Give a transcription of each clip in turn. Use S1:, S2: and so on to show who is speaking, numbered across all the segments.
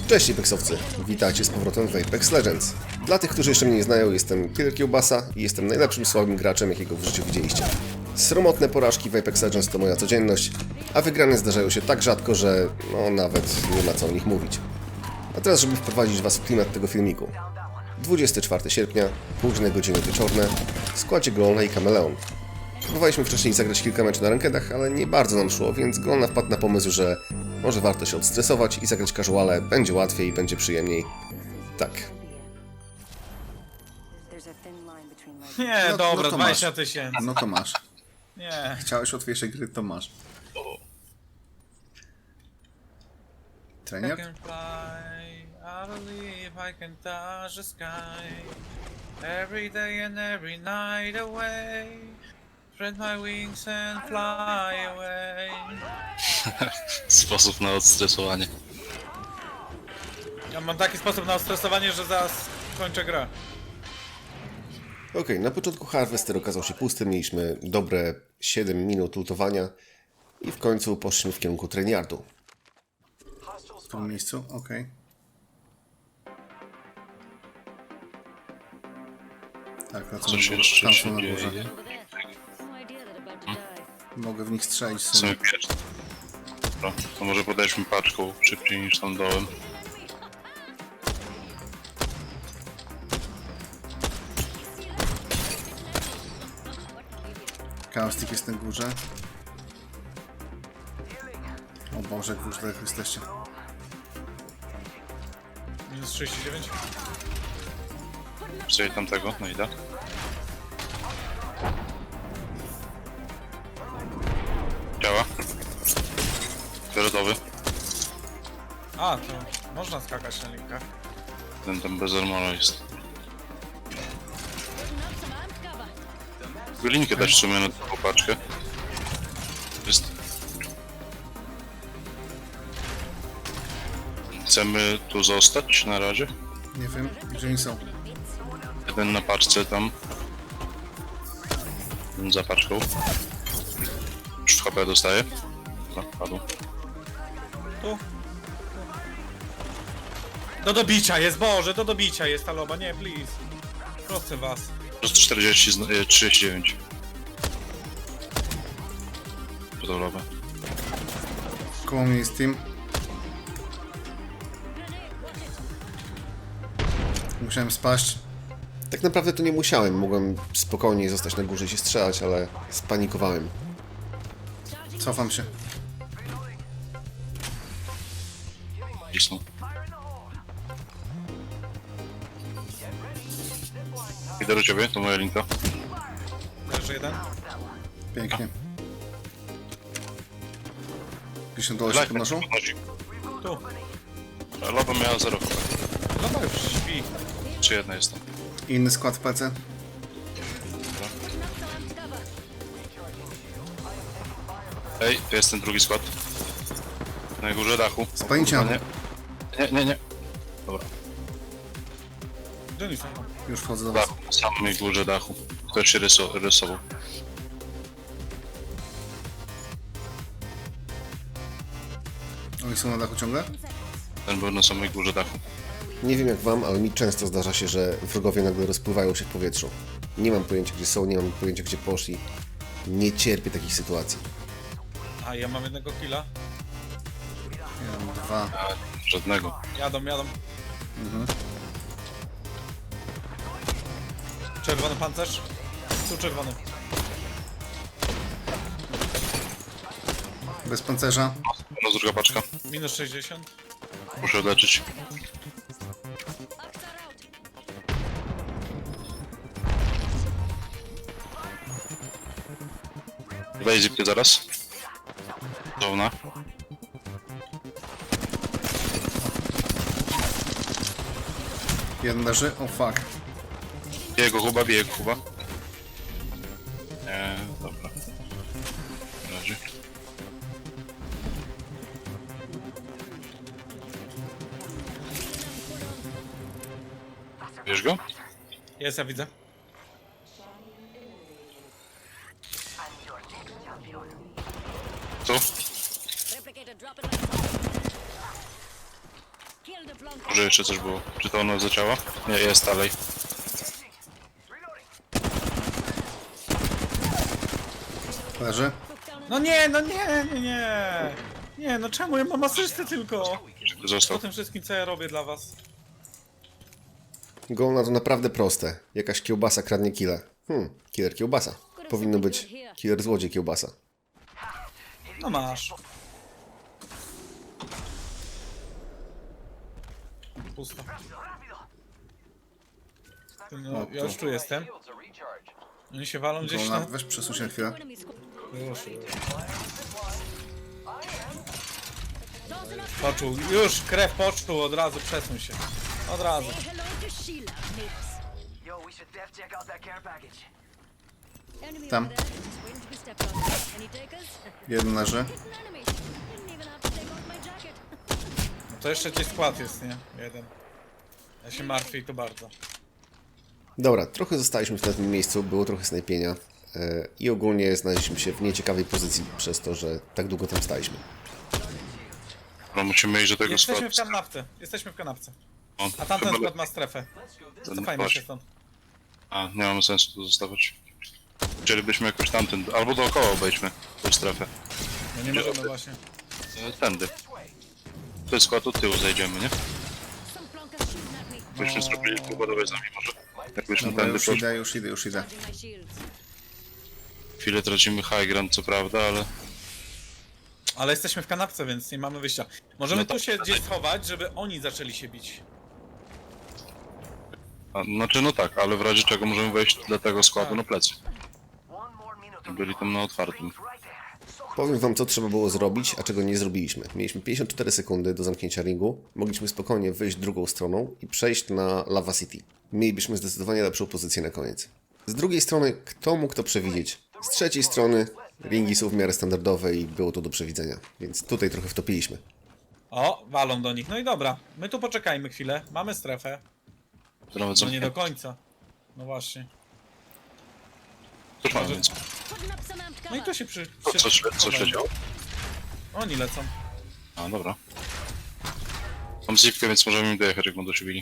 S1: Cześć Apexowcy, witajcie z powrotem w Apex Legends. Dla tych, którzy jeszcze mnie nie znają, jestem Killer Kiełbasa i jestem najlepszym słabym graczem, jakiego w życiu widzieliście. Sromotne porażki w Apex Legends to moja codzienność, a wygrane zdarzają się tak rzadko, że no nawet nie ma co o nich mówić. A teraz, żeby wprowadzić Was w klimat tego filmiku. 24 sierpnia, późne godziny wieczorne, w składzie Golna i Kameleon. Próbowaliśmy wcześniej zagrać kilka meczów na rankedach, ale nie bardzo nam szło, więc Golna wpadł na pomysł, że może warto się odstresować i zagrać casuale, będzie łatwiej, będzie przyjemniej. Tak.
S2: Nie,
S3: No,
S2: dobra,
S3: no to
S2: 20
S3: masz.
S2: 000.
S3: No to masz.
S2: Nie.
S3: Chciałeś łatwiejszej gry, to masz.
S2: I
S3: Treniak?
S2: can fly, I believe I can touch the sky. Every day and every night away. Spread my wings and fly away.
S4: Sposób na odstresowanie.
S2: Ja mam taki sposób na stresowanie, że zaraz kończę grę.
S1: Okej, na początku Harvester okazał się pusty, mieliśmy dobre 7 minut lutowania i w końcu poszliśmy w kierunku Trainyardu.
S3: W tym miejscu? Okej. Tak, na co
S4: Coś
S3: tam
S4: jeszcze się
S3: są na
S4: dzieje?
S3: górze. Mogę w nich strzelić
S4: W sumie pierwszy. Dobra, to może podejdźmy paczką szybciej niż tam dołem.
S3: Kaustik jest na górze. O Boże, jak wy już daleko jesteście.
S2: Minus 39.
S4: Wstaję tamtego, no idę. Działa. Fioletowy.
S2: A, to można skakać na linkach.
S4: Ten tam bez armora jest. Linkę dać w sumie na taką paczkę. Jest. Chcemy tu zostać na razie.
S3: Nie wiem, gdzie oni są.
S4: Jeden na paczce tam. Jeden za paczką. Już w HP dostaje. No, padł.
S2: Tu. Do dobicia jest, Boże, do dobicia jest ta loba, nie, please. Proszę was.
S4: Plus 40, 39. Podoba.
S3: Koło mnie jest team. Musiałem spaść.
S1: Tak naprawdę to nie musiałem, mogłem spokojnie zostać na górze i się strzelać, ale spanikowałem.
S3: Cofam się.
S4: Cisnął. Idę do ciebie, to moja linka.
S2: Leży jeden.
S3: Pięknie. Gdzieś na dole się podnoszą?
S2: Tu.
S4: Loba miała 0 HP.
S2: Loba już śpi.
S4: Czy jedna jest tam?
S3: Inny skład w PC.
S4: Ej, to jest ten drugi skład. Na górze dachu.
S3: Spajnięcia.
S4: Nie. Dobra,
S2: Gdzie oni są?
S3: Już wchodzę do was.
S4: dachu, na samej górze dachu. Ktoś się rysował.
S3: Oni są na dachu ciągle?
S4: Ten był na samej górze dachu.
S1: Nie wiem jak wam, ale mi często zdarza się, że wrogowie nagle rozpływają się w powietrzu. Nie mam pojęcia gdzie są, nie mam pojęcia gdzie poszli. Nie cierpię takich sytuacji.
S2: A, ja mam jednego killa.
S3: Ja mam dwa.
S4: A, żadnego.
S2: Jadą. Czerwony pancerz. Tu czerwony.
S3: Bez pancerza.
S4: No druga paczka.
S2: Minus 60.
S4: Muszę leczyć. Wejdź zipkę zaraz. Zona.
S3: Jeden leży. O fuck.
S4: Bije go Kuba. Nie, dobra. Leży. Wiesz go?
S2: Jest, ja widzę.
S4: Tu?
S5: Replicator dropping like a bomb. Kill the
S4: Może jeszcze coś było. Czy to ono zaczęło? Nie, jest dalej.
S3: Leży.
S2: No nie, no nie, nie, nie. Nie, no czemu ja mam asystę tylko? Po
S4: Został.
S2: tym wszystkim, co ja robię dla was.
S1: Goal to naprawdę proste. Jakaś kiełbasa kradnie killa. Killer kiełbasa. Powinno być killer złodziej kiełbasa.
S2: No masz. Pusto. No, ja już tu jestem. Oni się walą gdzieś
S3: Golna,
S2: tam.
S3: weź przesuń się na chwilę.
S2: Już. Poczuł, już krew poczuł, od razu przesuń się. Od razu.
S5: Hello to Sheila, mates.
S6: Yo, we should def check out that care package.
S5: Enemy
S3: Tam.
S5: over there, just waiting to be stepped on. Any takers?
S3: Jeden leży.
S5: An enemy. Didn't even have to take off my jacket.
S2: No to jeszcze gdzieś skład jest, nie? Jeden. Ja się martwię i to bardzo.
S1: Dobra, trochę zostaliśmy w tym miejscu, było trochę snajpienia i ogólnie znaleźliśmy się w nieciekawej pozycji przez to, że tak długo tam staliśmy.
S4: No musimy iść do tego
S2: Jesteśmy w
S4: składu.
S2: kanapce. Jesteśmy w kanapce.
S4: O,
S2: A tamten
S4: chyba-
S2: skład ma strefę. Cofajmy się stąd.
S4: A, nie mamy sensu tu zostawać. Chcielibyśmy jakoś tamten, albo dookoła obejdźmy tę strefę.
S2: No nie możemy właśnie.
S4: Tędy. To jest skład, od tyłu zajdziemy, nie?
S5: Some flunkers shooting at me.
S4: Byśmy zrobili pogodowe z nami może. Jakbyśmy
S3: Dobra,
S4: tędy
S3: już
S4: poszli.
S3: idę, już idę, już idę.
S5: Charging my shields.
S4: Chwilę tracimy high ground, co prawda, ale...
S2: Ale jesteśmy w kanapce, więc nie mamy wyjścia. Możemy
S4: No to-
S2: tu się gdzieś schować, żeby oni zaczęli się bić.
S4: A, znaczy no tak, ale w razie czego możemy wejść dla tego składu na plecy.
S6: One more minute
S4: Byli tam na otwartym.
S6: right there. So
S1: Powiem wam, co trzeba było zrobić, a czego nie zrobiliśmy. Mieliśmy 54 sekundy do zamknięcia ringu, mogliśmy spokojnie wyjść drugą stroną i przejść na Lava City. Mielibyśmy zdecydowanie lepszą pozycję na koniec. Z drugiej strony, kto mógł to przewidzieć? Z trzeciej strony, ringi są w miarę standardowe i było to do przewidzenia, więc tutaj trochę wtopiliśmy.
S2: O, walą do nich. No i dobra. My tu poczekajmy chwilę. Mamy strefę.
S4: To nawet
S2: No nie do
S4: zamknięte.
S2: końca. No właśnie.
S4: Cóż mamy więc?
S5: Putting up some amped
S2: No i
S5: cover.
S2: tu się przy...
S4: Co się działo?
S2: Oni lecą.
S4: A, dobra. Mam zipkę, więc możemy im dojechać, jak będą się bili.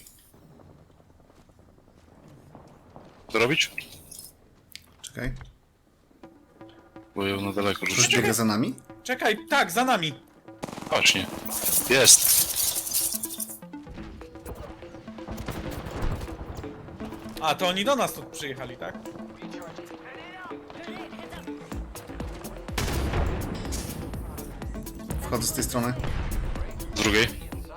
S4: Co robić?
S3: Czekaj.
S4: Bo ją na daleko
S3: Ktoś
S4: rzucić.
S3: biega za nami?
S2: Czekaj, tak, za nami.
S4: Właśnie. Jest!
S2: A, to oni do nas tu przyjechali, tak?
S3: Wchodzę z tej strony.
S4: Z drugiej.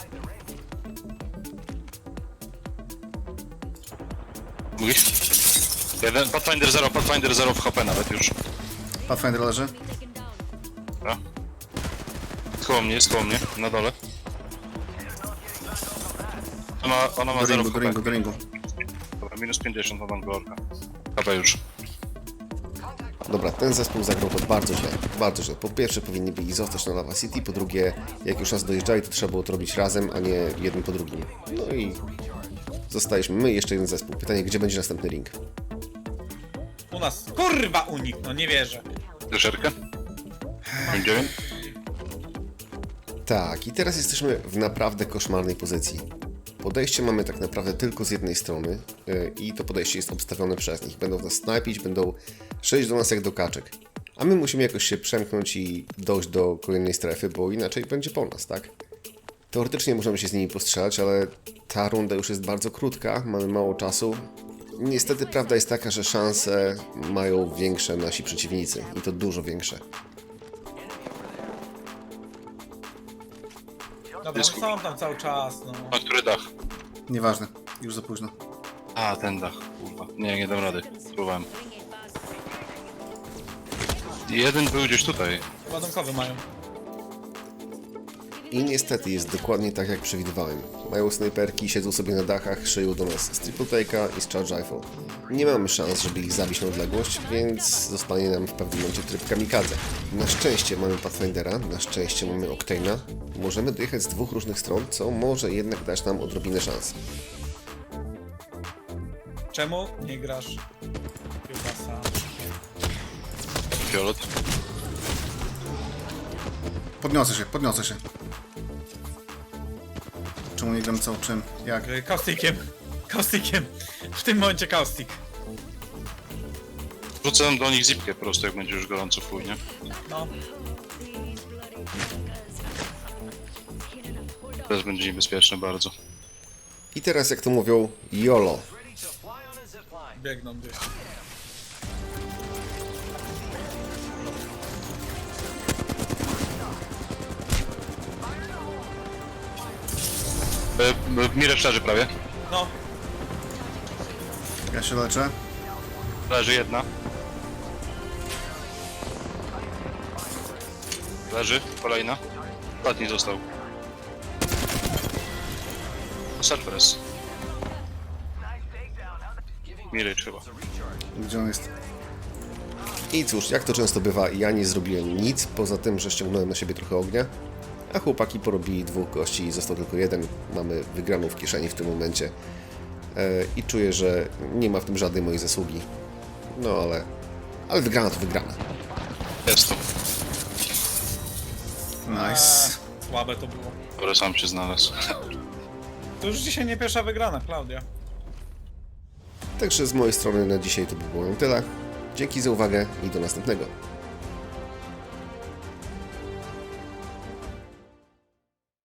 S4: Mówisz? Jeden, Pathfinder 0 w HP nawet już.
S3: Pathfinder leży.
S5: Taken down.
S4: Dobra. Jest koło mnie, na dole. Ona ma
S3: Do
S4: 0
S3: ringu,
S4: w
S3: do
S4: HP.
S3: ringu, do ringu.
S4: Dobra, minus 50 na Gorka. HP już.
S1: Dobra, ten zespół zagrał to bardzo źle, bardzo źle. Po pierwsze powinni byli zostać na Lava City, po drugie, jak już nas dojeżdżali, to trzeba było to robić razem, a nie jeden po drugim. No i zostaliśmy my i jeszcze jeden zespół. Pytanie, gdzie będzie następny ring?
S2: U nas. Kurwa, u nich, no nie wierzę.
S4: Dyszerkę? 9?
S1: Tak, i teraz jesteśmy w naprawdę koszmarnej pozycji. Podejście mamy tak naprawdę tylko z jednej strony i to podejście jest obstawione przez nich. Będą nas snajpić, będą szedć do nas jak do kaczek. A my musimy jakoś się przemknąć i dojść do kolejnej strefy, bo inaczej będzie po nas, tak? Teoretycznie możemy się z nimi postrzelać, ale ta runda już jest bardzo krótka, mamy mało czasu. Niestety prawda jest taka, że szanse mają większe nasi przeciwnicy i to dużo większe.
S2: Dobra, no są tam cały czas, no.
S4: A który dach?
S3: Nieważne. Już za późno.
S4: A, ten dach, kurwa. Nie dam rady. Próbowałem.
S5: Bring it, boss.
S4: Jeden był gdzieś tutaj.
S2: Ładunkowy mają.
S1: I niestety jest dokładnie tak, jak przewidywałem. Mają snajperki, siedzą sobie na dachach, szyją do nas z triple take'a i z charge rifle. Nie mamy szans, żeby ich zabić na odległość, więc zostanie nam w pewnym momencie tryb kamikadze. Na szczęście mamy Pathfindera, na szczęście mamy Octane'a. Możemy dojechać z dwóch różnych stron, co może jednak dać nam odrobinę szans.
S2: Czemu nie grasz kiełbasa?
S4: Fiolet.
S3: Podniosę się, podniosę się. Czemu nie gram co? Czym? Jak?
S2: Kaustikiem. Kaustikiem. W tym momencie kaustik.
S4: Rzucę do nich zipkę po prostu, jak będzie już gorąco chuj, nie?
S2: No.
S4: Teraz będzie niebezpieczne bardzo.
S1: I teraz, jak to mówią, YOLO.
S2: Biegną gdzieś.
S4: Mirę szczerzy prawie.
S2: No.
S3: Ja się leczę.
S4: Leży jedna. Leży, kolejna. Ostatni został. Surprise. Mirage chyba.
S3: Gdzie on jest?
S1: I cóż, jak to często bywa, ja nie zrobiłem nic, poza tym, że ściągnąłem na siebie trochę ognia, a chłopaki porobili 2 gości i został tylko 1. Mamy wygraną w kieszeni w tym momencie. I czuję, że nie ma w tym żadnej mojej zasługi. No ale wygrana to wygrana.
S4: Jest to.
S3: Nice.
S2: Słabe to było.
S4: Który sam się znalazł.
S2: To już dzisiaj nie pierwsza wygrana, Klaudia.
S1: Także z mojej strony na dzisiaj to by było tyle. Dzięki za uwagę i do następnego.